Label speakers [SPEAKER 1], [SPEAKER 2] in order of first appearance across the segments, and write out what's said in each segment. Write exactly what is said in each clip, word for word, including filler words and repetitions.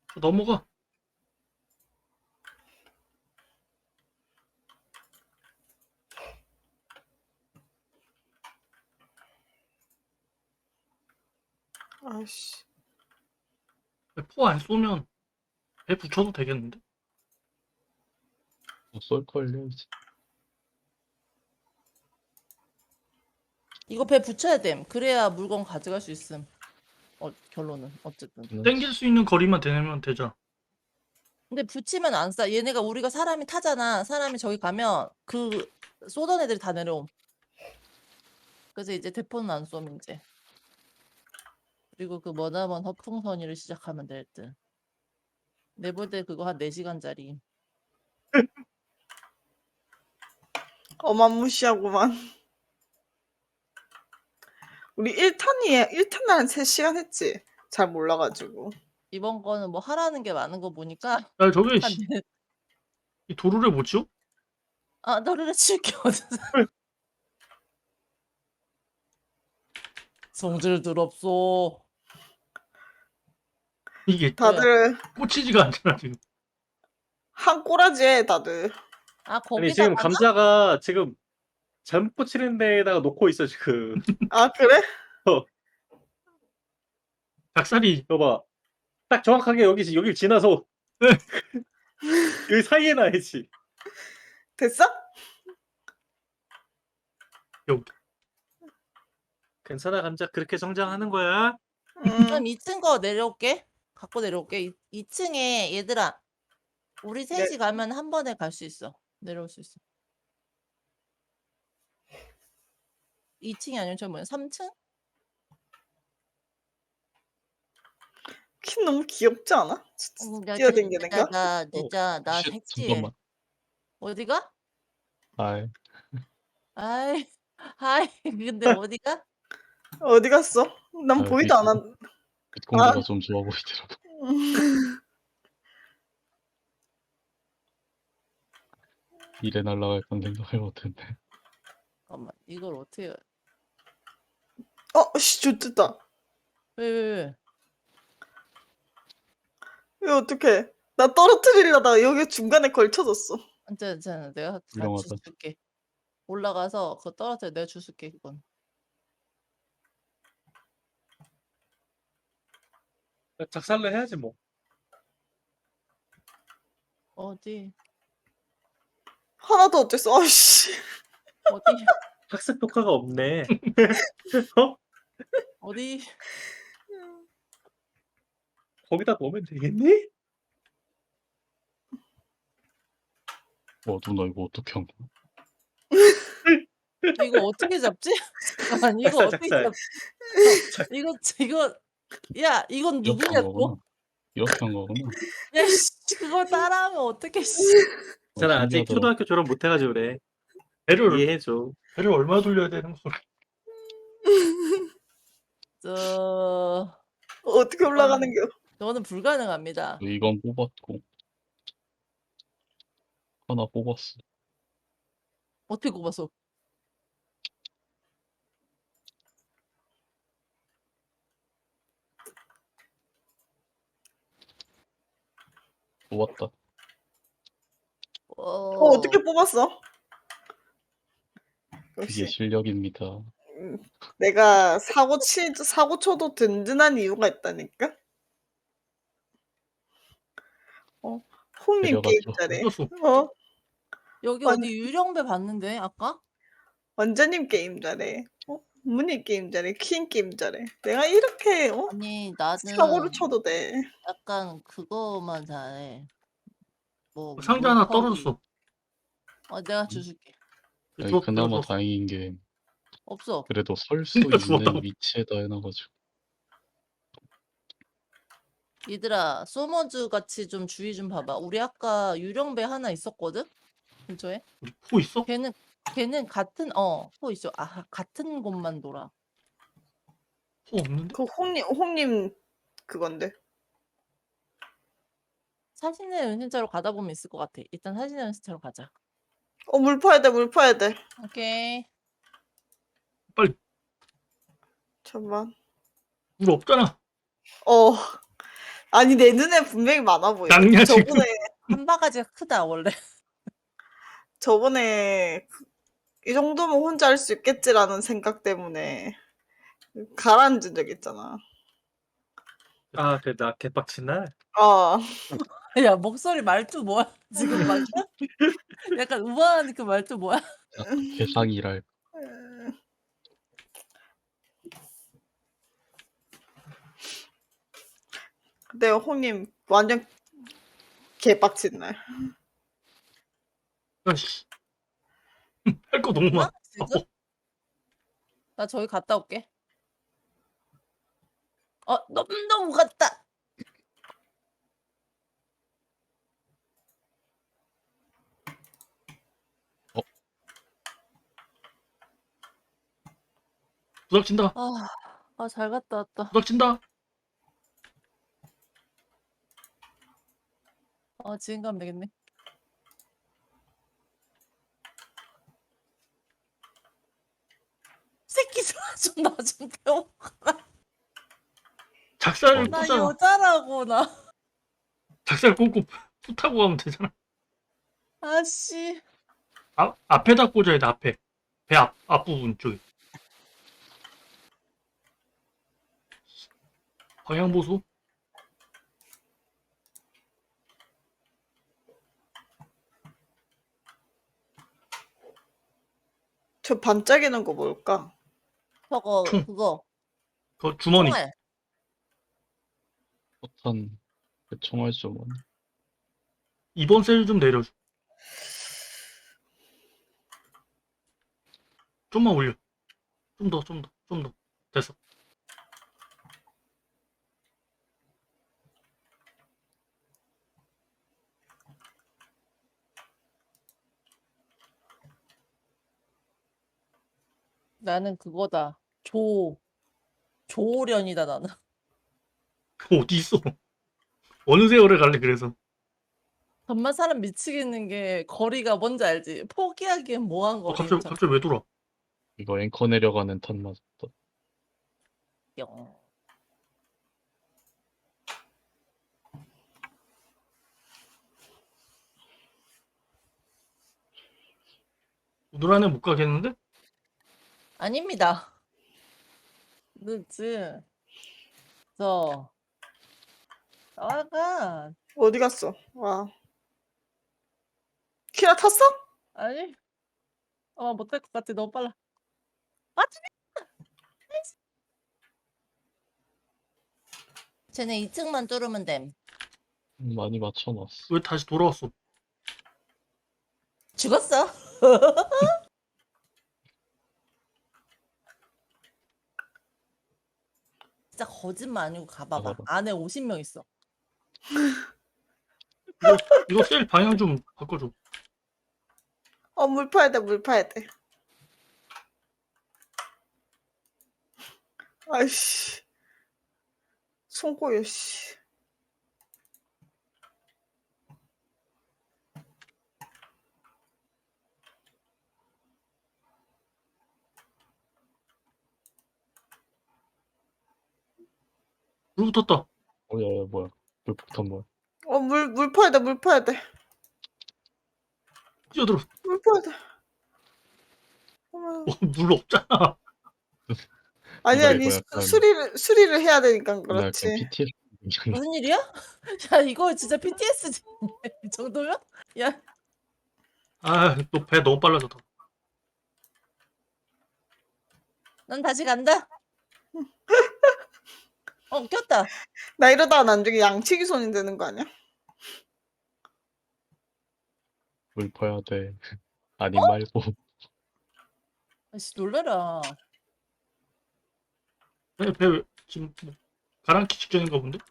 [SPEAKER 1] 넘어가.
[SPEAKER 2] 아이씨.
[SPEAKER 1] 포 안 쏘면 배 붙여도 되겠는데?
[SPEAKER 3] 뭐 쏠걸요 이제.
[SPEAKER 4] 이거 배 붙여야 됨. 그래야 물건 가져갈 수 있음. 어, 결론은 어쨌든.
[SPEAKER 1] 땡길 수 있는 거리만 되면 되잖아.
[SPEAKER 4] 근데 붙이면 안 싸. 얘네가 우리가 사람이 타잖아. 사람이 저기 가면 그 쏘던 애들이 다 내려옴. 그래서 이제 대포는 안 쏘면 이제. 그리고 그 머나먼 허풍선이를 시작하면 될 듯. 내볼 때 그거 한 네 시간짜리.
[SPEAKER 2] 어마무시하구만. 우리 일 탄이 일 탄 날 한 세 시간 했지. 잘 몰라가지고.
[SPEAKER 4] 이번 거는 뭐 하라는 게 많은 거 보니까
[SPEAKER 1] 야, 저게
[SPEAKER 4] 한
[SPEAKER 1] 씨,
[SPEAKER 4] 네-
[SPEAKER 1] 이 도루를 못 치워?
[SPEAKER 4] 아 너를 칠게 어디서 성질 더럽소.
[SPEAKER 1] 이게
[SPEAKER 2] 다들
[SPEAKER 1] 꽂히지가 않잖아 지금.
[SPEAKER 2] 한 꼬라지에 다들.
[SPEAKER 4] 아
[SPEAKER 5] 아니
[SPEAKER 4] 거기다
[SPEAKER 5] 지금 감자가 지금 잘못 붙이는 데에다가 놓고 있어 지금.
[SPEAKER 2] 아 그래?
[SPEAKER 1] 닭살이
[SPEAKER 5] 이거 봐. 딱 정확하게 여기 여길 지나서 여기 사이에 놔야지.
[SPEAKER 2] 됐어?
[SPEAKER 1] 여기.
[SPEAKER 5] 괜찮아 감자 그렇게 성장하는 거야.
[SPEAKER 4] 그럼
[SPEAKER 2] 음.
[SPEAKER 4] 이 층 거 내려올게. 갖고 내려올게. 이 층에 얘들아 우리 셋이
[SPEAKER 2] 네.
[SPEAKER 4] 가면 한 번에 갈 수 있어. 내려올 수 있어. 이 층이 아니면 저 뭐야? 삼 층?
[SPEAKER 2] 키 너무 귀엽지 않아?
[SPEAKER 4] 어, 나
[SPEAKER 2] 뛰어댕기는
[SPEAKER 4] 진짜
[SPEAKER 2] 거?
[SPEAKER 4] 나 진짜 나
[SPEAKER 3] 쉣,
[SPEAKER 4] 섹시해.
[SPEAKER 3] 잠깐만.
[SPEAKER 4] 어디가?
[SPEAKER 3] 아이,
[SPEAKER 4] 아이, 아이, 근데 어디가?
[SPEAKER 2] 어디 갔어? 난
[SPEAKER 3] 아,
[SPEAKER 2] 보이도 안
[SPEAKER 3] 밑-
[SPEAKER 2] 한.
[SPEAKER 3] 밑공기가
[SPEAKER 2] 아.
[SPEAKER 3] 좀 좋아 보이더라고. 이래 날라갈 건 생각을 못했네.
[SPEAKER 4] 잠깐만, 이걸 어떻게? 해?
[SPEAKER 2] 어, 씨, 좋겠다.
[SPEAKER 4] 왜, 왜, 왜?
[SPEAKER 2] 왜 어떡해? 나 떨어뜨리려다가 여기 중간에 걸쳐졌어.
[SPEAKER 4] 괜찮아, 괜찮아. 내가 다
[SPEAKER 3] 훌륭하다.
[SPEAKER 4] 줄게. 올라가서 그거 떨어져 내가 줄게 그건.
[SPEAKER 5] 작살로 해야지 뭐.
[SPEAKER 4] 어디?
[SPEAKER 2] 하나도 어땠어? 아씨.
[SPEAKER 4] 어디?
[SPEAKER 5] 학습 효과가 없네.
[SPEAKER 4] 어디?
[SPEAKER 5] 거기다 넣으면 되겠니?
[SPEAKER 3] 와, 누나 이거 어떻게 한 거야?
[SPEAKER 4] 이거 어떻게 잡지? 잠깐만, 이거
[SPEAKER 5] 작살,
[SPEAKER 4] 어떻게
[SPEAKER 5] 작살.
[SPEAKER 4] 잡? 이거 이거 야 이건
[SPEAKER 3] 이렇게 한
[SPEAKER 4] 누구냐고?
[SPEAKER 3] 거구나. 이렇게 한 거구나.
[SPEAKER 4] 야 씨, 그걸 따라하면 어떻게 씨?
[SPEAKER 3] 어,
[SPEAKER 5] 괜찮아 아직
[SPEAKER 3] 신기하더라.
[SPEAKER 5] 초등학교 졸업 못 해가지고 그래.
[SPEAKER 1] 배를
[SPEAKER 5] 이해해줘.
[SPEAKER 1] 배를 얼마 돌려야 되는 거야?
[SPEAKER 4] 저
[SPEAKER 2] 어떻게 올라가는겨?
[SPEAKER 4] 저는 불가능합니다.
[SPEAKER 3] 이건 뽑았고 하나 뽑았어.
[SPEAKER 4] 어떻게 꼽았어?
[SPEAKER 3] 뽑았다.
[SPEAKER 4] 어,
[SPEAKER 2] 어, 어떻게 뽑았어?
[SPEAKER 3] 그게
[SPEAKER 2] 역시
[SPEAKER 3] 실력입니다.
[SPEAKER 2] 음, 내가 사고 치 사고 쳐도 든든한 이유가 있다니까. 어, 홍님 게임
[SPEAKER 3] 내려가죠.
[SPEAKER 2] 잘해.
[SPEAKER 1] 이겼어.
[SPEAKER 2] 어,
[SPEAKER 4] 여기
[SPEAKER 2] 완-
[SPEAKER 4] 어디 유령배 봤는데 아까?
[SPEAKER 2] 원자님 게임 잘해. 어, 문희 게임 잘해. 퀸 게임 잘해. 내가 이렇게 어?
[SPEAKER 4] 아니 나는
[SPEAKER 2] 사고를 쳐도 돼.
[SPEAKER 4] 약간 그거만 잘해. 뭐
[SPEAKER 1] 상자 하나
[SPEAKER 4] 물고기.
[SPEAKER 1] 떨어졌어.
[SPEAKER 4] 어 내가 줄게.
[SPEAKER 3] 아니,
[SPEAKER 1] 주워
[SPEAKER 3] 그나마
[SPEAKER 1] 들어줬어.
[SPEAKER 3] 다행인 게
[SPEAKER 4] 없어.
[SPEAKER 3] 그래도 설 수
[SPEAKER 1] 그러니까
[SPEAKER 3] 있는
[SPEAKER 1] 주웠다고.
[SPEAKER 3] 위치에다 해놔가지고.
[SPEAKER 4] 얘들아 소머즈 같이 좀 주의 좀 봐봐. 우리 아까 유령배 하나 있었거든? 근처에?
[SPEAKER 1] 우리 포 있어?
[SPEAKER 4] 걔는 걔는 같은 어포 있어. 아 같은 곳만 돌아.
[SPEAKER 1] 포 없는데?
[SPEAKER 2] 그 홍님 홍님 그건데.
[SPEAKER 4] 사진의 은신처로 가다 보면 있을 것 같아. 일단 사진의 은신처로 가자.
[SPEAKER 2] 어, 물 파야 돼. 물 파야 돼.
[SPEAKER 4] 오케이.
[SPEAKER 2] 잠만.
[SPEAKER 1] 물 없잖아.
[SPEAKER 2] 어, 아니 내 눈에 분명히 많아 보여.
[SPEAKER 1] 낭냐, 지금.
[SPEAKER 2] 저번에
[SPEAKER 4] 한 바가지가 크다 원래.
[SPEAKER 2] 저번에 그- 이 정도면 혼자 할 수 있겠지라는 생각 때문에 가라앉은 적 있잖아.
[SPEAKER 5] 아, 그 나 개빡친 날.
[SPEAKER 2] 어.
[SPEAKER 4] 야 목소리 말투 뭐야 지금 막 약간 우아한 그 말투 뭐야?
[SPEAKER 3] 개상이랄.
[SPEAKER 2] 근데 홍님 완전 개빡친 날.
[SPEAKER 1] 아씨. 할 거 너무 많아.
[SPEAKER 4] 아, 지금? 나 저기 갔다 올게. 어 너무 너무 갔다.
[SPEAKER 1] 부닥친다.
[SPEAKER 4] 아 잘 갔다 왔다.
[SPEAKER 1] 부닥친다.
[SPEAKER 4] 어 지금 가면 되겠네. 새끼 좀 나 좀 배워.
[SPEAKER 1] 작살을
[SPEAKER 3] 어.
[SPEAKER 4] 나
[SPEAKER 1] 꽂잖아.
[SPEAKER 4] 여자라고 나.
[SPEAKER 1] 작살 꽂고 푸 타고 가면 되잖아.
[SPEAKER 4] 아씨.
[SPEAKER 1] 앞 앞에다 꽂아야 돼. 앞에. 배 앞 앞부분 쪽에. 방향 보소.
[SPEAKER 2] 저 반짝이는 거 뭘까?
[SPEAKER 4] 저거
[SPEAKER 1] 총.
[SPEAKER 4] 그거
[SPEAKER 1] 그 주머니.
[SPEAKER 4] 총알.
[SPEAKER 3] 포탄 그 총알 좀
[SPEAKER 1] 이번 셀 좀 내려줘. 좀만 올려. 좀 더, 좀 더, 좀 더. 됐어.
[SPEAKER 4] 나는 그거다. 조 조련이다 나는.
[SPEAKER 1] 어디 있어? 어느 세월에 갈래 그래서.
[SPEAKER 4] 정말 사람 미치겠는 게 거리가 뭔지 알지? 포기하기엔 뭐한
[SPEAKER 1] 어,
[SPEAKER 4] 거리.
[SPEAKER 1] 갑자기 갑자기 왜 돌아?
[SPEAKER 3] 이거 앵커 내려가는 탄 맞았다.
[SPEAKER 4] 영.
[SPEAKER 1] 오늘 안에 못 가겠는데?
[SPEAKER 4] 아닙니다. 늦지. 저 나가.
[SPEAKER 2] 어디 갔어? 와. 키라 탔어?
[SPEAKER 4] 아니. 어 못할 것 같아. 너무 빨라. 아 쟤네 이 층만 뚫으면 됨.
[SPEAKER 3] 음, 많이 맞춰놨어.
[SPEAKER 1] 왜 다시 돌아왔어?
[SPEAKER 4] 죽었어. 진짜 거짓말 아니고 가봐봐.
[SPEAKER 3] 가봐봐.
[SPEAKER 4] 안에 오십 명 있어.
[SPEAKER 1] 이거 이거 셀 방향 좀 바꿔줘.
[SPEAKER 2] 어, 물 파야 돼, 물 파야 돼. 아이씨. 손꼬여, 씨.
[SPEAKER 1] 물 붙었다.
[SPEAKER 3] 어, 야, 야, 뭐야. 불폭탄 뭐야.
[SPEAKER 2] 어, 물, 물 파야 돼, 물 파야 돼.
[SPEAKER 1] 뛰어들어.
[SPEAKER 2] 물 파야 돼. 어머.
[SPEAKER 1] 어, 물 없잖아.
[SPEAKER 2] 아니,
[SPEAKER 3] 이거,
[SPEAKER 2] 아니,
[SPEAKER 3] 이거
[SPEAKER 2] 수,
[SPEAKER 3] 약간-
[SPEAKER 2] 수리를, 수리를 해야 되니까
[SPEAKER 3] 나 약간
[SPEAKER 2] 그렇지.
[SPEAKER 3] 피티에스
[SPEAKER 4] 무슨 일이야? 야 이거 진짜 피티에스지. 이 정도면? 야
[SPEAKER 1] 아, 너 배 너무 빨라졌다.
[SPEAKER 4] 난 다시 간다. 어 꼈다.
[SPEAKER 2] 나 이러다가 나중에 양치기 손이 되는 거 아니야?
[SPEAKER 3] 물 퍼야 돼. 아니
[SPEAKER 4] 어?
[SPEAKER 3] 말고.
[SPEAKER 4] 아씨 놀래라.
[SPEAKER 1] 배, 배 왜- 지금 뭐 가랑키 직전인가 본데?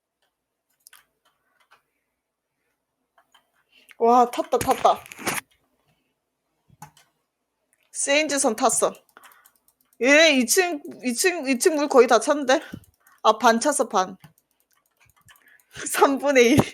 [SPEAKER 2] 와, 탔다, 탔다. 세인즈선 탔어. 얘 이 층, 이 층, 이 층 물 거의 다 찼는데? 아, 반 찼어, 반. 삼분의 일.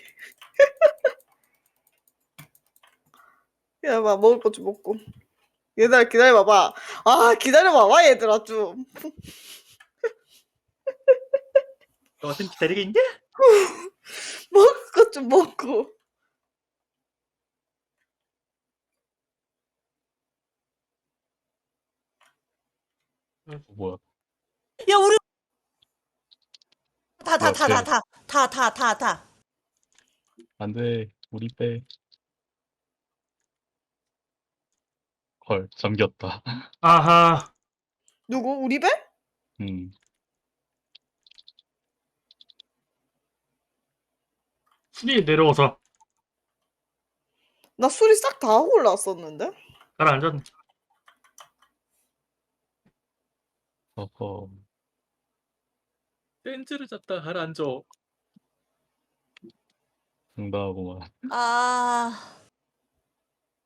[SPEAKER 2] 야, 봐, 먹을 것 좀 먹고. 얘들아, 기다려봐봐. 아, 기다려봐봐, 얘들아, 좀.
[SPEAKER 5] 너 템 기다리고 있냐?
[SPEAKER 2] 먹을 것 좀 먹고.
[SPEAKER 3] 어, 뭐야?
[SPEAKER 4] 야 우리 다 다
[SPEAKER 3] 뭐야,
[SPEAKER 4] 다 다 다 다 다 다 다.
[SPEAKER 3] 안 돼. 우리 빼. 헐, 잠겼다.
[SPEAKER 1] 아하.
[SPEAKER 2] 누구? 우리 배?
[SPEAKER 3] 음.
[SPEAKER 1] 순위 내려와서
[SPEAKER 2] 나 술이 싹 다 하고 올라왔었는데?
[SPEAKER 1] 가라앉았네.
[SPEAKER 3] 어허.
[SPEAKER 5] 센즈를 잡다 가라앉아.
[SPEAKER 3] 응당하고만.
[SPEAKER 4] 아.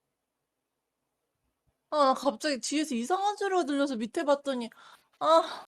[SPEAKER 4] 아, 나 갑자기 뒤에서 이상한 소리가 들려서 밑에 봤더니 아,